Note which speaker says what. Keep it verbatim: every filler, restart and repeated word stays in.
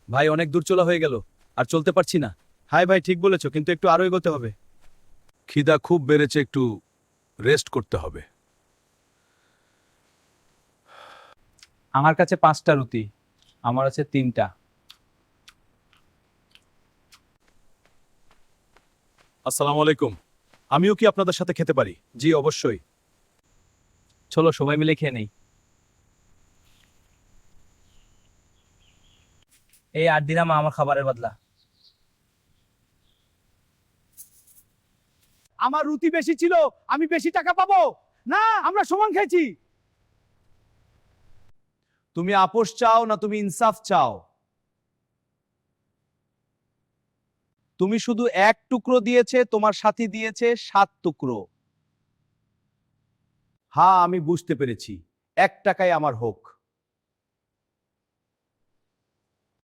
Speaker 1: ভাই অনেক দূর চলা হয়ে গেল, আর চলতে পারছি না। হাই ভাই, ঠিক বলেছো, কিন্তু একটু আরো এগোতে হবে।
Speaker 2: খিদা খুব বেড়েছে, একটু রেস্ট করতে হবে।
Speaker 1: আমার কাছে পাঁচটা রুটি, আমার আছে তিনটা।
Speaker 2: আসসালামু আলাইকুম। আমিও কি আপনাদের সাথে খেতে পারি?
Speaker 1: জি অবশ্যই, চলো সবাই মিলে খেয়ে নেই। এই আট দিন আমার খাবারের বদলা।
Speaker 3: আমার রুটি বেশি ছিল, আমি বেশি টাকা পাবো না? আমরা সমান খেয়েছি। তুমি আপোষ চাও না তুমি ইনসাফ চাও? তুমি শুধু এক টুকরো দিয়েছে, তোমার সাথী দিয়েছে সাত টুকরো। হ্যাঁ, আমি বুঝতে পেরেছি। এক টাকায় আমার হোক।